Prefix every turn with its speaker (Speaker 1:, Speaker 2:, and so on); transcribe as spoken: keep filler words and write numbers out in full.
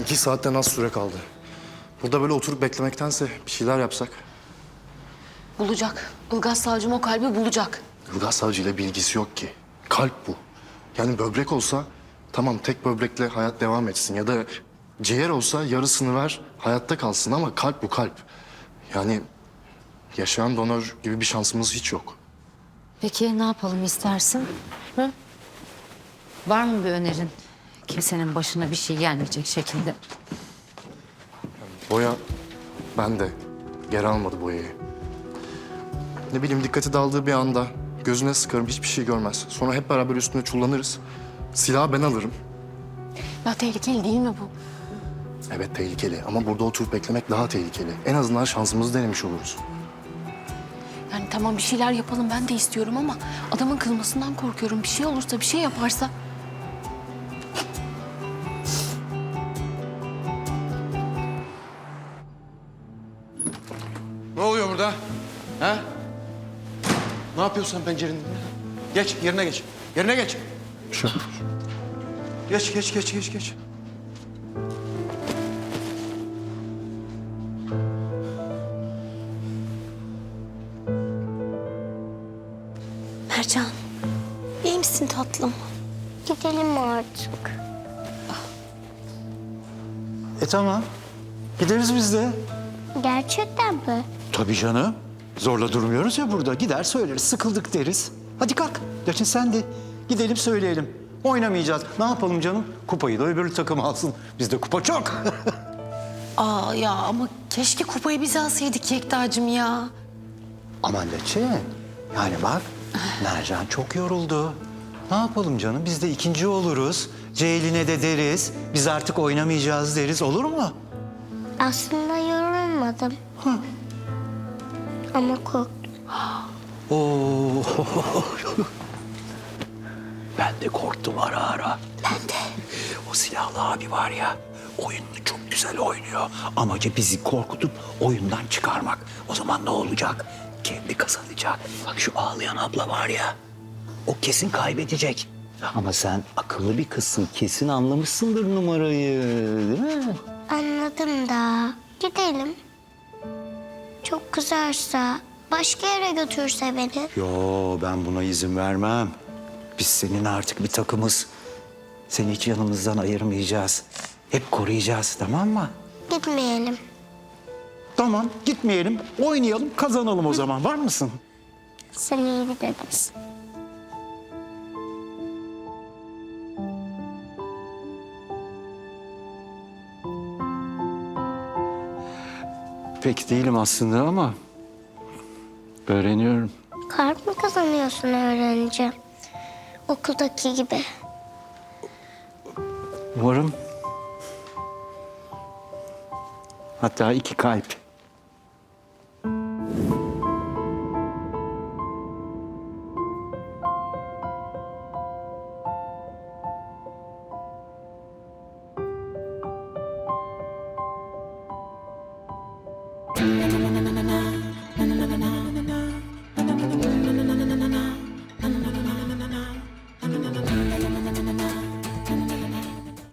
Speaker 1: İki saatten az süre kaldı. Burada böyle oturup beklemektense bir şeyler yapsak.
Speaker 2: Bulacak. Ilgaz savcım o kalbi bulacak.
Speaker 1: Ilgaz Savcı ile bilgisi yok ki. Kalp bu. Yani böbrek olsa tamam tek böbrekle hayat devam etsin. Ya da ciğer olsa yarısını ver hayatta kalsın ama kalp bu kalp. Yani yaşayan donör gibi bir şansımız hiç yok.
Speaker 3: Peki ne yapalım istersin? Hı? Var mı bir önerin? Kimsenin başına bir şey gelmeyecek şekilde.
Speaker 1: Boya ben de geri almadı boyayı. Ne bileyim dikkati dağıldığı bir anda gözüne sıkarım hiçbir şey görmez. Sonra hep beraber üstüne çullanırız. Silahı ben alırım.
Speaker 2: Ya tehlikeli değil mi bu?
Speaker 1: Evet tehlikeli ama burada oturup beklemek daha tehlikeli. En azından şansımızı denemiş oluruz.
Speaker 2: Yani tamam bir şeyler yapalım ben de istiyorum ama adamın kızmasından korkuyorum. Bir şey olursa bir şey yaparsa.
Speaker 4: Ne oluyor burada? Ha? Ne yapıyorsun sen pencerenin önünde? Geç, yerine geç. Yerine geç.
Speaker 1: Şu.
Speaker 4: Geç, geç, geç, geç, geç.
Speaker 2: Mercan, iyi misin tatlım?
Speaker 5: Gidelim artık.
Speaker 6: E tamam. Gideriz biz de.
Speaker 5: Gerçekten mi?
Speaker 6: Tabii canım. Zorla durmuyoruz ya burada. Gider söyleriz. Sıkıldık deriz. Hadi kalk. Gerçi sen de. Gidelim söyleyelim. Oynamayacağız. Ne yapalım canım? Kupayı da öbür takım alsın. Bizde kupa çok.
Speaker 2: Aa ya ama keşke kupayı biz alsaydık Yekta'cığım ya.
Speaker 6: Aman Leçe. Yani bak. Mercan çok yoruldu. Ne yapalım canım? Biz de ikinci oluruz. Ceylin'e de deriz. Biz artık oynamayacağız deriz. Olur mu?
Speaker 5: Aslında yorulmadım. Ama korktum.
Speaker 6: Oo. Ben de korktum ara ara. Ben de. O silahlı abi var ya, oyununu çok güzel oynuyor. Amacı bizi korkutup oyundan çıkarmak. O zaman ne olacak? Kendi kazanacak. Bak şu ağlayan abla var ya, o kesin kaybedecek. Ama sen akıllı bir kızsın, kesin anlamışsındır numarayı, değil mi?
Speaker 5: Anladım da. Gidelim. Çok kızarsa, başka yere götürse beni.
Speaker 6: Yo, ben buna izin vermem. Biz senin artık bir takımız. Seni hiç yanımızdan ayırmayacağız. Hep koruyacağız, tamam mı?
Speaker 5: Gitmeyelim.
Speaker 6: Tamam, gitmeyelim. Oynayalım, kazanalım o zaman. Var mısın?
Speaker 5: Sen iyi bir dedesin.
Speaker 6: Pek değilim aslında ama öğreniyorum.
Speaker 5: Kalp mı kazanıyorsun öğrenince? Okuldaki gibi.
Speaker 6: Umarım. Hatta iki kalp.